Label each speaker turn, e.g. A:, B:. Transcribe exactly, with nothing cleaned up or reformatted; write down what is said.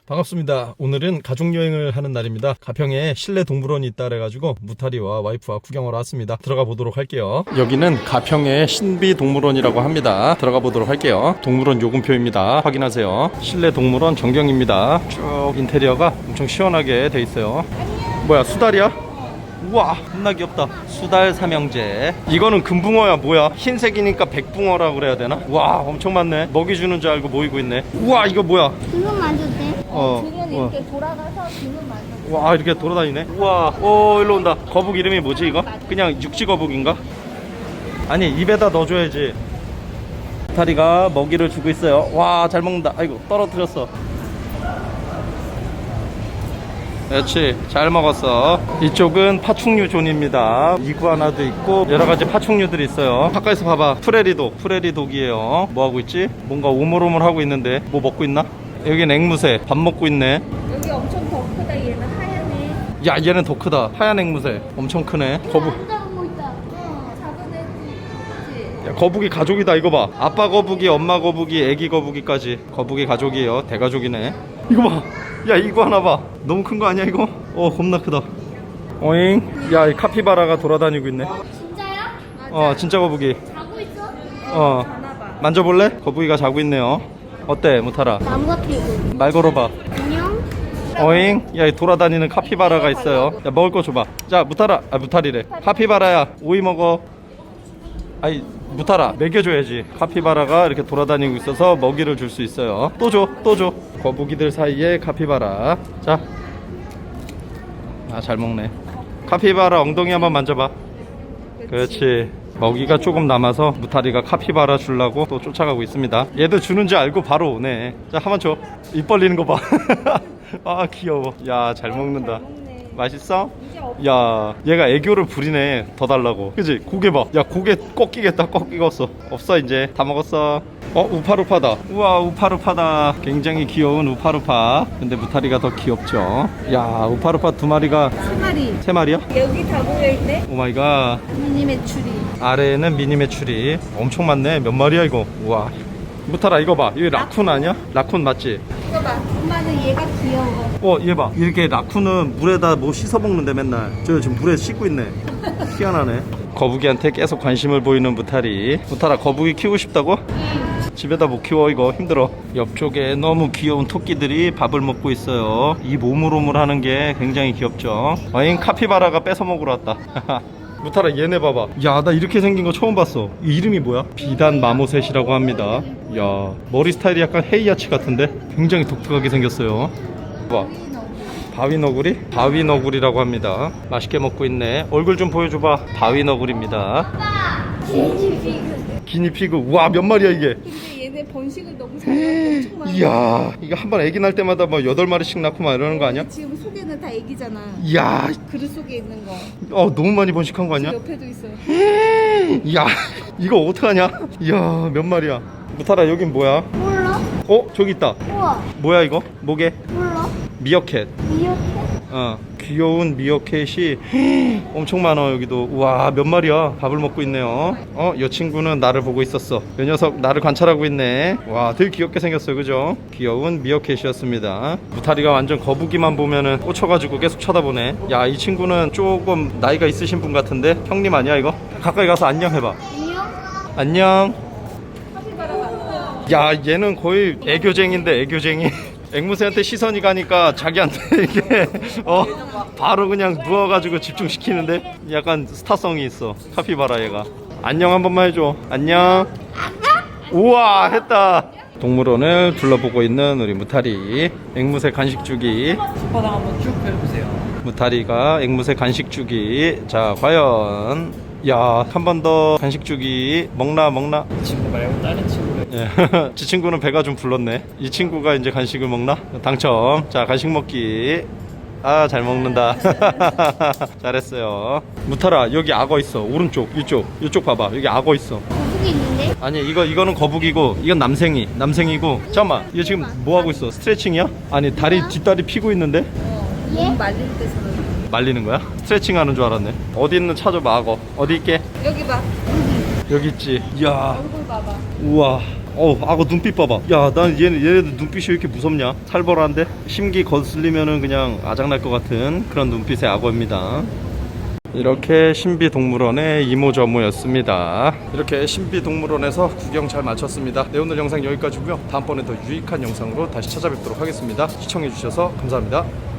A: 반갑습니다. 오늘은 가족여행을 하는 날입니다. 가평에 실내 동물원이 있다 그래가지고 무타리와 와이프와 구경하러 왔습니다. 들어가 보도록 할게요. 여기는 가평의 신비동물원이라고 합니다. 들어가 보도록 할게요. 동물원 요금표입니다. 확인하세요. 실내 동물원 전경입니다. 쭉 인테리어가 엄청 시원하게 돼 있어요. 뭐야, 수달이야? 우와, 겁나 귀엽다. 수달 삼형제. 이거는 금붕어야 뭐야? 흰색이니까 백붕어라고 그래야 되나? 와, 엄청 많네. 먹이 주는 줄 알고 모이고 있네. 우와, 이거 뭐야?
B: 등은 만져도 돼?
A: 어,
B: 등은 이렇게 돌아가서 등은 만져도 돼.
A: 와, 이렇게 돌아다니네. 우와, 오, 일로 온다. 거북 이름이 뭐지 이거? 그냥 육지 거북인가? 아니, 입에다 넣어줘야지. 다리가 먹이를 주고 있어요. 와, 잘 먹는다. 아이고, 떨어뜨렸어. 그렇지, 잘 먹었어. 이쪽은 파충류 존입니다. 이구아나도 있고 여러가지 파충류들이 있어요. 가까이서 봐봐. 프레리독, 프레리독이에요. 뭐하고 있지? 뭔가 오물오물하고 있는데 뭐 먹고 있나? 여긴 앵무새, 밥 먹고 있네.
B: 여기 엄청 더 크다. 얘는 하얗네.
A: 야, 얘는 더 크다. 하얀 앵무새 엄청 크네. 거북.
B: 앉아보고 있다. 어, 작은 애지.
A: 야, 거북이 가족이다. 이거 봐. 아빠 거북이, 엄마 거북이, 애기 거북이까지 거북이 가족이에요. 대가족이네. 이거 봐. 야, 이거 하나 봐. 너무 큰 거 아니야 이거? 어, 겁나 크다. 오잉. 야, 이 카피바라가 돌아다니고 있네.
B: 진짜야? 맞아.
A: 어, 진짜 거북이.
B: 자고 있어?
A: 어,
B: 자나봐.
A: 만져볼래? 거북이가 자고 있네요. 어때, 무타라?
B: 나무 같아 이거.
A: 말 걸어봐.
B: 안녕?
A: 어잉. 야, 이 돌아다니는 카피바라가 있어요. 야, 먹을 거 줘봐. 자, 무타라. 아, 무타리래. 카피바라야, 오이 먹어. 아이, 무타라, 먹여줘야지. 카피바라가 이렇게 돌아다니고 있어서 먹이를 줄 수 있어요. 또 줘, 또 줘. 거북이들 사이에 카피바라. 자. 아, 잘 먹네. 카피바라 엉덩이 한번 만져봐. 그렇지. 먹이가 조금 남아서 무타리가 카피바라 주려고 또 쫓아가고 있습니다. 얘도 주는지 알고 바로 오네. 자, 한번 줘. 입 벌리는 거 봐. 아, 귀여워. 야, 잘 먹는다. 맛있어? 야, 얘가 애교를 부리네. 더 달라고. 그치? 고개 봐. 야, 고개 꺾이겠다. 꺾이겠어. 없어 이제. 다 먹었어. 어, 우파루파다. 우와, 우파루파다. 굉장히 귀여운 우파루파. 근데 무타리가 더 귀엽죠. 야, 우파루파 두 마리가
B: 세 마리.
A: 세 마리야?
B: 여기 다 모여있네.
A: 오마이갓.
B: 미니 메추리.
A: 아래에는 미니 메추리. 엄청 많네. 몇 마리야 이거? 우와. 무타라, 이거 봐. 이거 라쿤 아니야? 라쿤 맞지?
B: 이거 봐. 엄마는 얘가 귀여워.
A: 어, 얘 봐. 이렇게 라쿤은 물에다 뭐 씻어 먹는데 맨날. 저 지금 물에 씻고 있네. 희한하네. 거북이한테 계속 관심을 보이는 무타리. 무타라, 거북이 키우고 싶다고? 집에다 못 키워. 이거 힘들어. 옆쪽에 너무 귀여운 토끼들이 밥을 먹고 있어요. 이 오물오물 하는 게 굉장히 귀엽죠. 와인 카피바라가 뺏어 먹으러 왔다. 무타라, 얘네 봐봐. 야, 나 이렇게 생긴 거 처음 봤어. 이 이름이 뭐야? 비단 마모셋이라고 합니다. 야, 머리 스타일이 약간 헤이아치 같은데 굉장히 독특하게 생겼어요. 봐. 바위너구리? 바위너구리라고 합니다. 맛있게 먹고 있네. 얼굴 좀 보여줘봐. 바위너구리입니다.
B: 기니피그.
A: 기니피그. 우와, 몇 마리야 이게?
B: 근데 얘네 번식을 너무 잘해. 엄청 많아.
A: 이야, 이거 한 번 애기 날 때마다 뭐 여덟 마리씩 낳고 막 이러는 거 아니야?
B: 지금 속에는 다 애기잖아.
A: 이야,
B: 그릇 속에 있는 거.
A: 어, 너무 많이 번식한 거 아니야?
B: 옆에도 있어요.
A: 이야, 이거 어떡하냐? 이야, 몇 마리야? 무타라, 여긴 뭐야?
B: 몰라?
A: 어, 저기 있다.
B: 우와.
A: 뭐야 이거? 뭐게?
B: 몰라?
A: 미어캣.
B: 미역해?
A: 어, 귀여운 미어캣이 엄청 많아. 여기도. 우와, 몇 마리야. 밥을 먹고 있네요. 어, 이 친구는 나를 보고 있었어. 이 녀석 나를 관찰하고 있네. 와, 되게 귀엽게 생겼어요. 그죠? 귀여운 미어캣이었습니다. 무타리가 완전 거북이만 보면은 꽂혀가지고 계속 쳐다보네. 야, 이 친구는 조금 나이가 있으신 분 같은데? 형님 아니야 이거? 가까이 가서 안녕 해봐.
B: 안녕?
A: 안녕.
B: 카피바라가.
A: 야, 얘는 거의 애교쟁인데, 애교쟁이. 앵무새한테 시선이 가니까 자기한테 이게 어 바로 그냥 누워가지고 집중시키는데 약간 스타성이 있어. 카피바라 얘가. 안녕 한 번만 해줘. 안녕. 우와, 했다. 동물원을 둘러보고 있는 우리 무타리. 앵무새 간식 주기.
C: 손바닥 한번 쭉 펴보세요.
A: 무타리가 앵무새 간식 주기. 자, 과연. 야, 한 번 더 간식 주기. 먹나 먹나?
C: 이 친구 말고 다른 친구가
A: 예. 지 친구는 배가 좀 불렀네. 이 친구가 이제 간식을 먹나? 당첨. 자, 간식 먹기. 아, 잘 먹는다. 잘했어요. 무타라, 여기 악어 있어. 오른쪽, 이쪽, 이쪽 봐봐. 여기 악어 있어.
B: 거북이 있는데?
A: 아니, 이거 이거는 거북이고, 이건 남생이, 남생이고. 잠깐만, 얘 지금 뭐 하고 있어? 스트레칭이야? 아니, 다리 뒷다리 피고 있는데?
B: 얘? 말릴 때 저는.
A: 말리는 거야? 스트레칭 하는 줄 알았네. 어디 있는 찾아봐. 악어 어디 있게?
B: 여기 봐.
A: 여기 있지. 이야,
B: 얼굴 봐봐.
A: 우와, 어우 악어 눈빛 봐봐. 야 난 얘네, 얘네들 눈빛이 왜 이렇게 무섭냐. 살벌한데 심기 거슬리면은 그냥 아작날 것 같은 그런 눈빛의 악어입니다. 이렇게 신비동물원의 이모저모였습니다. 이렇게 신비동물원에서 구경 잘 마쳤습니다. 네, 오늘 영상 여기까지고요. 다음번에 더 유익한 영상으로 다시 찾아뵙도록 하겠습니다. 시청해주셔서 감사합니다.